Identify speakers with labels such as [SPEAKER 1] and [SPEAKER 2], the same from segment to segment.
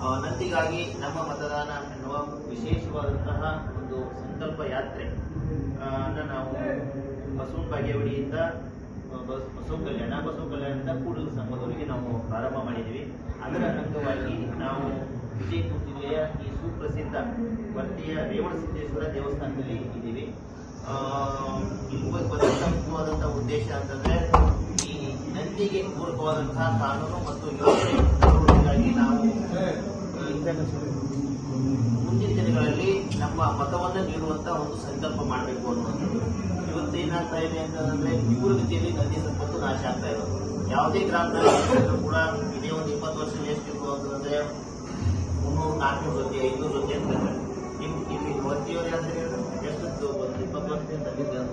[SPEAKER 1] ನಂದಿಗಾಗಿ ನಮ್ಮ ಮತದಾನ ಎನ್ನುವ ವಿಶೇಷವಾದಂತಹ ಒಂದು ಸಂಕಲ್ಪ ಯಾತ್ರೆ ನಾವು ಬಸವನ ಬಾಗೇವಾಡಿಯಿಂದ ಬಸವ ಕಲ್ಯಾಣದಿಂದ ಕೂಡಲ ಸಂಘದವರೆಗೆ ನಾವು ಪ್ರಾರಂಭ ಮಾಡಿದ್ದೀವಿ. ಅದರ ಅಂಗವಾಗಿ ನಾವು ವಿಜಯಪುರ ಜಿಲ್ಲೆಯ ಈ ಸುಪ್ರಸಿದ್ಧ ವರ್ತಿಯ ರೇವಣಸಿದ್ದೇಶ್ವರ ದೇವಸ್ಥಾನದಲ್ಲಿ ಇದ್ದೀವಿ. ಇಲ್ಲಿ ಮುಖ್ಯವಾದಂತಹ ಉದ್ದೇಶ ಅಂತಂದ್ರೆ ಈ ನಂದಿಗೆ ಪೂರಕವಾದಂತಹ ಕಾನೂನು ಮತ್ತು ಯೋಜನೆಗಾಗಿ ನಾವು ಮುಂದಿನ ದಿನಗಳಲ್ಲಿ ನಮ್ಮ ಮತವನ್ನು ನೀಡುವಂತಹ ಒಂದು ಸಂಕಲ್ಪ ಮಾಡಬೇಕು ಅನ್ನುವಂಥದ್ದು. ಇವತ್ತೇನಾಗ್ತಾ ಇದೆ ಅಂತಂದ್ರೆ ತೀವ್ರಗತಿಯಲ್ಲಿ ನದಿ ಸಂಪತ್ತು ನಾಶ ಆಗ್ತಾ ಇರೋದು. ಯಾವುದೇ ಗ್ರಾಮದಲ್ಲಿ ಕೂಡ ಇದೇ ಒಂದು 20 ವರ್ಷ ಎಷ್ಟಿತ್ತು ಅಂತಂದ್ರೆ 300-400 ಜೊತೆ 500 ಜೊತೆ ಅಂತ ಇಲ್ಲಿ ಹೊತ್ತಿಯವರೇ ಅಂದ್ರೆ ಎಷ್ಟು ಒಂದು 20 ವರ್ಷದಿಂದ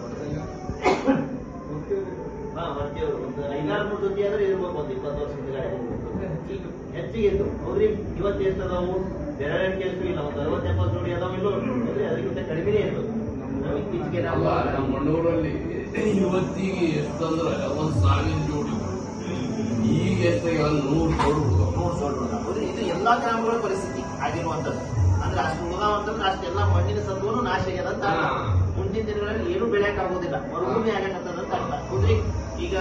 [SPEAKER 1] ಹೊತ್ತಿಯವರು ಒಂದು 500-600 ಜೊತೆ ಆದ್ರೆ ಇರ್ಬೇಕು. ಒಂದು 20 ವರ್ಷದಿಂದ ಈಗ ಹೆಚ್ಚಿಗೆ ಇತ್ತು ಅವ್ರಿಗೆ ಇವತ್ತು ಎಷ್ಟದಾವು ಬೆರಳಿಕೆ ಎಷ್ಟು ಇಲ್ಲ, ಒಂದು 60-70 ಜೋಡಿ ಅದಾವ ಇಲ್ಲೋ ಅಂದ್ರೆ ಅದಕ್ಕಿಂತ ಕಡಿಮೆನೇ ಇತ್ತು. ಇತ್ತೀಚೆಗೆ ನಮ್ಮ
[SPEAKER 2] ಮಂಡೂರಲ್ಲಿ ಇವತ್ತಿಗೆ ಎಷ್ಟಂದ್ರೆ 1000 ಜೋಡಿ, ಈಗ ಎಷ್ಟಾಗ 100 ಜೋಡಿ.
[SPEAKER 1] ಇದು ಎಲ್ಲಾ ಗ್ರಾಮಗಳ ಪರಿಸ್ಥಿತಿ ಆಗಿರುವಂತದ್ದು. ಅಂದ್ರೆ ಅಷ್ಟು ಉದಾವ ಅಂತಂದ್ರೆ ಅಷ್ಟೆಲ್ಲ ಮಣ್ಣಿನ ಸತ್ವನು ನಾಶ ಆಗ್ಯದಂತ ಮುಂದಿನ ದಿನಗಳಲ್ಲಿ ಏನು ಬೆಳೆಯಕ್ ಆಗೋದಿಲ್ಲ, ಮರುಭೂಮಿ ಆಗತ್ತದಂತ ಅರ್ಥ. ಹೌದ್ರಿ, ಈಗ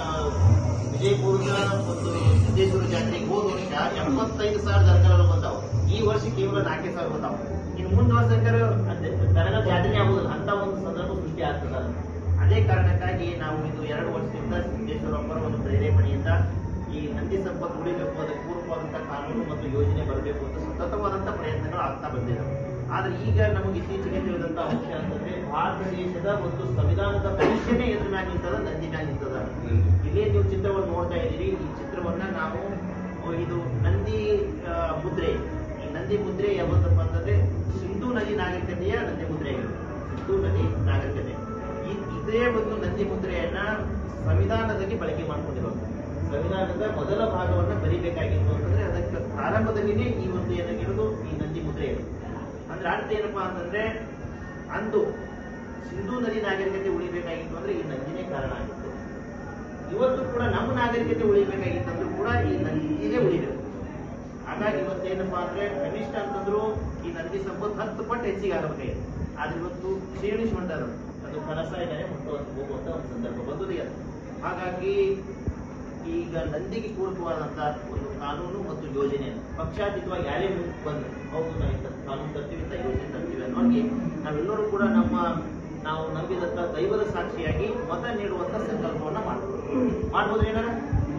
[SPEAKER 1] ವಿಜಯಪುರದ ಒಂದು ಸಿದ್ದೇಶ್ವರ ಜಾತ್ರೆಗೆ ಹೋದ ವರ್ಷ 75,000 ದನಕರು ಬಂದಾವು. ಈ ವರ್ಷ ಕೇವಲ 4,000 ಬಂದಾವ. ಇನ್ನು ಮುಂದೆ ವರ್ಷ ದನಗಳ ಜಾತ್ರೆ ಆಗುದಿಲ್ಲ ಅಂತ ಒಂದು ಸಂದರ್ಭ ಸೃಷ್ಟಿ ಆಗ್ತದ. ಅದೇ ಕಾರಣಕ್ಕಾಗಿ ನಾವು ಇದು 2 ವರ್ಷದಿಂದ ಸಿದ್ದೇಶ್ವರಪ್ಪರ ಒಂದು ಪ್ರೇರೇಪಣೆಯಿಂದ ಈ ನಂದಿ ಸಂಪತ್ತು ಉಳಿಬೇಕು, ಅದಕ್ಕೆ ಪೂರ್ವವಾದಂತಹ ಕಾನೂನು ಮತ್ತು ಯೋಜನೆ ಬರಬೇಕು ಅಂತ ಸತತವಾದಂತಹ ಪ್ರಯತ್ನಗಳು ಆಗ್ತಾ ಬಂದಿದ್ದಾವೆ. ಆದ್ರೆ ಈಗ ನಮಗೆ ಇತ್ತೀಚೆಗೆ ತಿಳಿದಂತಹ ಅಂಶ ಅಂತಂದ್ರೆ ಭಾರತ ದೇಶದ ಒಂದು ಸಂವಿಧಾನದ ಭವಿಷ್ಯನೇ ಎದುರು ಮ್ಯಾಗ ನಿಂತದ, ನಂದಿ ಮ್ಯಾಗ ನಿಂತದ. ಇಲ್ಲೇ ನೀವು ಚಿತ್ರವನ್ನು ನೋಡ್ತಾ ಇದ್ದೀರಿ. ಈ ಚಿತ್ರವನ್ನ ನಾವು ಇದು ನಂದಿ ಮುದ್ರೆ. ಈ ನಂದಿ ಮುದ್ರೆ ಯಾವತ್ತಪ್ಪ ಅಂತಂದ್ರೆ ಸಿಂಧೂ ನದಿ ನಾಗರಿಕತೆಯ ನಂದಿ ಮುದ್ರೆ ಆಗಿರುತ್ತೆ. ಸಿಂಧೂ ನದಿ ನಾಗರಿಕತೆ ಇದೇ ಒಂದು ನಂದಿ ಮುದ್ರೆಯನ್ನ ಸಂವಿಧಾನದಲ್ಲಿ ಬಳಕೆ ಮಾಡ್ಕೊಂಡಿರೋದು. ಸಂವಿಧಾನದ ಮೊದಲ ಭಾಗವನ್ನ ಬರೀಬೇಕಾಗಿತ್ತು ಅಂತಂದ್ರೆ ಅದಕ್ಕೆ ಪ್ರಾರಂಭದಲ್ಲಿನೇ ಈ ಒಂದು ಏನಾಗಿರೋದು ಈ ನಂದಿ ಮುದ್ರೆ ಇರೋದು. ಅಂದ್ರೆ ಅರ್ಥ ಏನಪ್ಪಾ ಅಂತಂದ್ರೆ ಅಂದು ಸಿಂಧೂ ನದಿ ನಾಗರಿಕತೆ ಉಳಿಬೇಕಾಗಿತ್ತು ಅಂದ್ರೆ ಈ ನಂದಿನೇ ಕಾರಣ ಆಗಿತ್ತು. ಇವತ್ತು ಕೂಡ ನಮ್ಮ ನಾಗರಿಕತೆ ಉಳಿಬೇಕಾಗಿತ್ತಂದ್ರೂ ಕೂಡ ಈ ನಂದಿನೇ ಉಳಿಬೇಕು. ಹಾಗಾಗಿ ಇವತ್ತೇನಪ್ಪಾ ಅಂದ್ರೆ ಕನಿಷ್ಠ ಅಂತಂದ್ರು ಈ ನಂದಿ ಸಂಪತ್ತು 10 ಪಟ್ಟು ಹೆಚ್ಚಿಗೆ ಆಗಬೇಕಾಗಿದೆ. ಆದ್ರೆ ಇವತ್ತು ಕ್ಷೀಣಿಸಿಕೊಂಡರು, ಅದು ಕನಸಾಯಿನೇ ಹೋಗುವಂತ ಒಂದು ಸಂದರ್ಭ ಬಂದಿದೆ. ಹಾಗಾಗಿ ಈಗ ನಂದಿಗೆ ಪೂರಕವಾದಂತಹ ಒಂದು ಕಾನೂನು ಮತ್ತು ಯೋಜನೆ ಪಕ್ಷಾತೀತವಾಗಿ ಯಾರೇ ಮುಂದೆ ಬಂದು ಹೌದು ನಾವು ಇಂಥ ಕಾನೂನು ತರ್ತೀವಿ, ಇಂಥ ಯೋಜನೆ ತರ್ತೀವಿ ಅನ್ನೋರಿಗೆ ನಾವೆಲ್ಲರೂ ಕೂಡ ನಾವು ನಂಬಿದಂತ ದೈವದ ಸಾಕ್ಷಿಯಾಗಿ ಮತ ನೀಡುವಂತ ಸಂಕಲ್ಪವನ್ನ ಮಾಡ್ಬೋದು. ಏನಾರ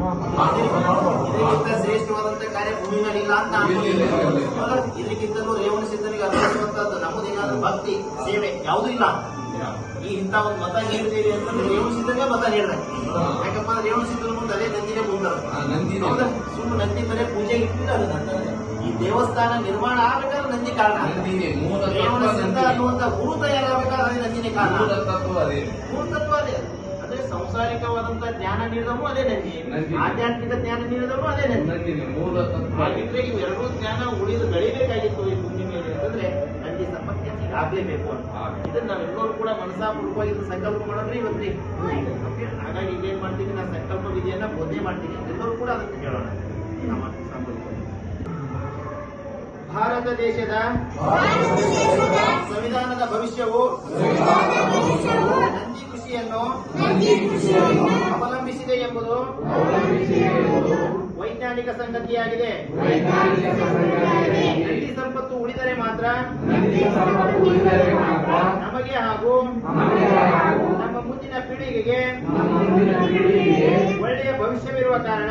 [SPEAKER 1] ಇದಕ್ಕಿಂತ ಶ್ರೇಷ್ಠವಾದಂತ ಕಾರ್ಯ ಭೂಮಿನಲ್ಲಿ ಇಲ್ಲ ಅಂತ ಇದಕ್ಕಿಂತಲೂ ರೇವಣ ಸಿದ್ಧನಿಗೆ ಅರ್ಪಿಸುವಂತದ್ದು ನಮ್ಮದೇನಾದ್ರೂ ಭಕ್ತಿ ಸೇವೆ ಯಾವುದೂ ಇಲ್ಲ. ಈ ಇಂಥ ಒಂದು ಮತ ನೀಡಿದ್ದೀರಿ ಅಂತಂದ್ರೆ ರೇವಣ ಸಿದ್ಧನಿಗೆ ಮತ ನೀಡಿದಾಗ, ಯಾಕಪ್ಪ ಅಂದ್ರೆ ರೇವಣ ಸಿದ್ಧನ ಮುಂದೆ ಅದೇ ನಂದಿನೇ ಮುಂದೆ ಸುಮ್ಮನೆ ನಂದಿ ಬರೀ ಪೂಜೆ ಇಟ್ಟಿಲ್ಲ. ಈ ದೇವಸ್ಥಾನ ನಿರ್ಮಾಣ ಆಗ್ಬೇಕಾದ್ರೆ ನಂದಿ ಕಾರಣ. ರೇವಣ ಸಿದ್ಧ ಅನ್ನುವಂತ ಗುರು ತಯಾರಾಗಬೇಕಾದ್ರೆ ನಂದಿನೇ ಕಾರಣ. ಮೂಲತತ್ವ ಅದೇ. ಅಂದ್ರೆ ಸಂಸಾರಿಕವಾದಂತ ಜ್ಞಾನ ನೀಡಿದವನು ಅದೇ ನಂದಿ, ಆಧ್ಯಾತ್ಮಿಕ ಜ್ಞಾನ ನೀಡಿದವನು ಅದೇ ನಂದಿ. ಹಾಗಿದ್ರೆ ಇವೆರಡೂ ಜ್ಞಾನ ಉಳಿದು ಬೆಳಿಬೇಕಾಗಿತ್ತು ಈ ಭೂಮಿ ಮೇಲೆ ಅಂತಂದ್ರೆ ನಂದಿ ಸಂಪತ್ತು ಹೆಚ್ಚಿಗೆ ಆಗ್ಲೇಬೇಕು ಅಂತ. ಇದನ್ನ ನಾವೆಲ್ಲರೂ ಕೂಡ ಮನಸಾಪೂರ್ವಕವಾಗಿ ಸಂಕಲ್ಪ ಮಾಡಿದ್ರೆ ಇವತ್ತಿ. ಹಾಗಾಗಿ ಇದೇನ್ ಮಾಡ್ತೀವಿ, ನಾವು ಸಂಕಲ್ಪ ವಿಧಿಯನ್ನ ಬೋಧನೆ ಮಾಡ್ತೀವಿ. ಎಲ್ಲರೂ ಕೂಡ ಅದನ್ನು ಕೇಳೋಣ. ಭಾರತ ದೇಶದ ಸಂವಿಧಾನದ ಭವಿಷ್ಯವು ನಂದಿ ಕೃಷಿಯನ್ನು ಅವಲಂಬಿಸಿದೆ ಎಂಬುದು ವೈಜ್ಞಾನಿಕ ಸಂಗತಿಯಾಗಿದೆ. ನಂದಿ ಸಂಪತ್ತು ಉಳಿದರೆ ಮಾತ್ರ ನಮಗೆ ಹಾಗೂ ನಮ್ಮ ಮುಂದಿನ ಪೀಳಿಗೆಗೆ ಒಳ್ಳೆಯ ಭವಿಷ್ಯವಿರುವ ಕಾರಣ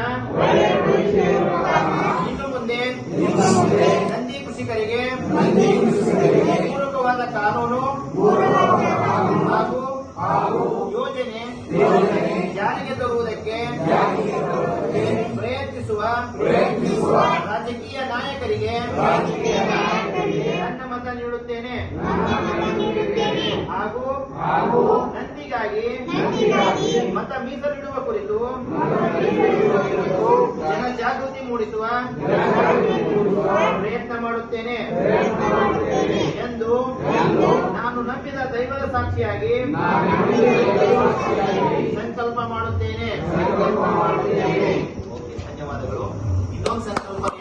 [SPEAKER 1] ಇನ್ನು ಮುಂದೆ ನಂದಿ ಕೃಷಿಕರಿಗೆ ಪೂರಕವಾದ ಕಾನೂನು ಹಾಗೂ ಯೋಜನೆ ಜಾರಿಗೆ ತರುವುದಕ್ಕೆ ಪ್ರಯತ್ನಿಸುವ ರಾಜಕೀಯ ನಾಯಕರಿಗೆ ನನ್ನ ಮತ ನೀಡುತ್ತೇನೆ ಹಾಗೂ ನಂದಿಗಾಗಿ ಮತ ಮೀಸಲಿಡುವ ಕುರಿತು ಜನಜಾಗೃತಿ ಮೂಡಿಸುವ ಪ್ರಯತ್ನ ಮಾಡುತ್ತೇನೆ ಎಂದು ನಾನು ನಂಬಿದ ದೈವದ ಸಾಕ್ಷಿಯಾಗಿ ಸಂಕಲ್ಪ ಮಾಡುತ್ತೇನೆ. ಧನ್ಯವಾದಗಳು. ಇನ್ನೊಂದು ಸಂಕಲ್ಪ